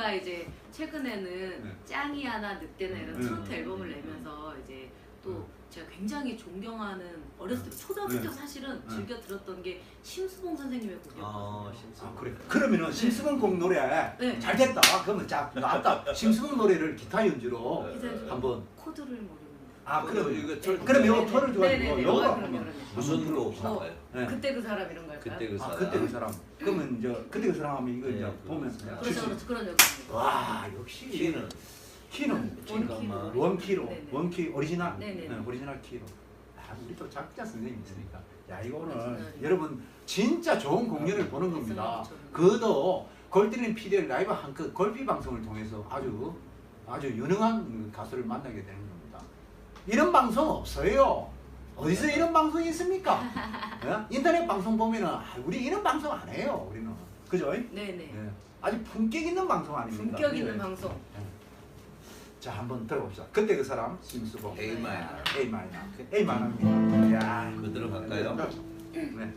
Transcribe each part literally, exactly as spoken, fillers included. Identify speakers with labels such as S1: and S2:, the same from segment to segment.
S1: 제가 이제 최근에는
S2: 네.
S1: 짱이 하나 늑대나 이런
S2: 네.
S1: 트로트 앨범을 내면서 이제 또 제가 굉장히 존경하는 어렸을 때 초등학교 때
S2: 네.
S1: 사실은
S2: 네.
S1: 즐겨 들었던 게 심수봉 선생님의
S3: 아,
S1: 곡이었거든요.
S3: 심수봉.
S2: 아, 그래. 그러면은 심수봉 곡 노래
S1: 네.
S2: 잘 됐다. 그러면 자 나왔다. 심수봉 노래를 기타 연주로
S3: 네.
S1: 기타
S2: 한번.
S1: 코드를 모르는
S2: 아
S3: 그럼
S2: 그럼
S3: 이거
S1: 네.
S3: 털-
S2: 그럼 요거
S1: 네네.
S2: 털을 줘가지고
S1: 네네네.
S2: 요거
S1: 어,
S2: 한번
S1: 그럼요, 그럼요.
S3: 무슨 곡
S1: 어,
S3: 나와요?
S2: 네.
S1: 그때 그 사람 이런 걸까요?
S3: 그때 그
S2: 아
S3: 사람.
S2: 그때 그 사람. 그러면 이제 그때 그 사람 하면 이거
S3: 네,
S2: 이제
S3: 그-
S2: 보면서
S1: 그렇죠, 그렇죠. 그런 여기.
S2: 와 역시
S3: 키는
S2: 키는
S3: 잠깐만.
S2: 원 키로
S1: 네네.
S2: 원 키 오리지널
S1: 네네네.
S2: 네, 오리지널 키로. 아 우리 또 작자 선생님 있으니까. 야 이거 오늘
S1: 오리지널.
S2: 여러분 진짜 좋은 공연을 보는 겁니다.
S1: 그렇죠.
S2: 그도 골드린 피디의 라이브 한컷 골피 방송을 통해서 아주 아주 유능한 가수를 만나게 되는 겁니다. 이런 방송 없어요. 어디서 이런 방송이 있습니까? 예? 인터넷 방송 보면은 아, 우리 이런 방송 안 해요. 우리는 그죠?
S1: 네네.
S2: 예. 아주 품격 있는 방송 아닙니까?
S1: 품격 있는
S2: 예.
S1: 방송.
S2: 예. 자 한번 들어봅시다. 그때 그 사람 심수봉
S3: A 마이너.
S2: A 마이너 A 마이너입니다. 야
S3: 그대로 갈까요?
S2: 네.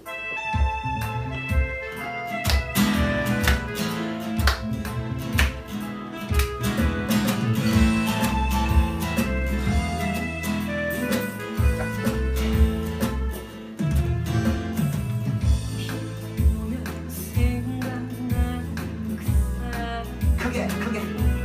S2: 크게 크게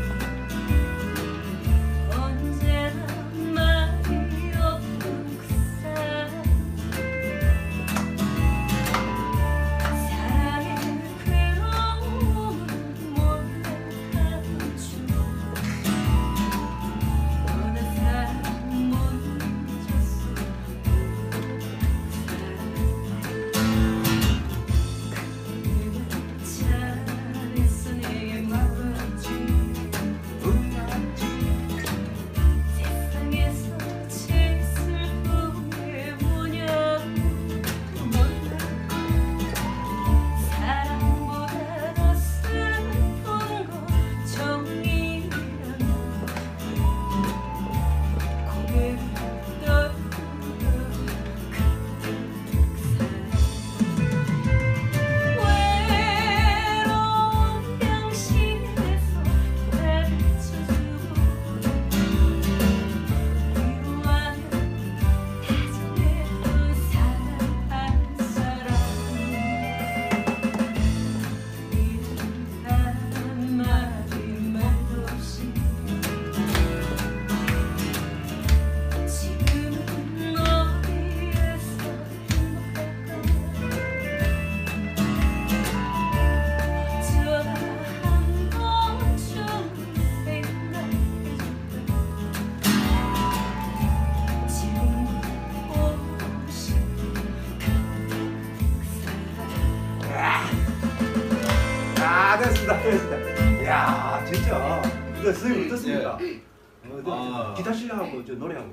S2: 아 됐습니다 됐습니다. 야 진짜 이거 선생님 어떻습니까? 어, 저,
S3: 아.
S2: 기타 실력하고 저 노래하고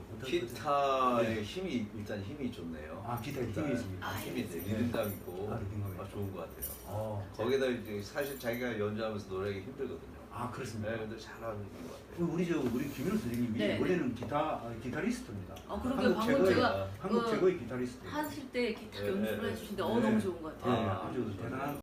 S3: 기타의 힘이 일단 힘이 좋네요.
S2: 아 기타
S3: 일단
S2: 힘이 있습니다.
S3: 아, 힘이 돼. 리듬감 있고
S2: 아, 리듬감이
S3: 아, 좋은 것 같아요.
S2: 어.
S3: 거기다 이제 사실 자기가 연주하면서 노래하기 힘들거든요.
S2: 아 그렇습니다.
S3: 네, 근데 잘하는 것 같아요.
S2: 우리 저 우리 김윤호 선생님이
S1: 네.
S2: 원래는 기타 아, 기타리스트입니다.
S1: 어, 그러게요.
S2: 한국
S1: 방금
S2: 최고의
S1: 제가
S2: 한국
S1: 그
S2: 최고의 기타리스트.
S1: 하실 때 기타
S3: 네,
S1: 연주를
S3: 네,
S1: 해주시는데
S2: 네.
S1: 어 너무 좋은 것
S2: 네,
S1: 같아요.
S3: 아,
S2: 아주 대단한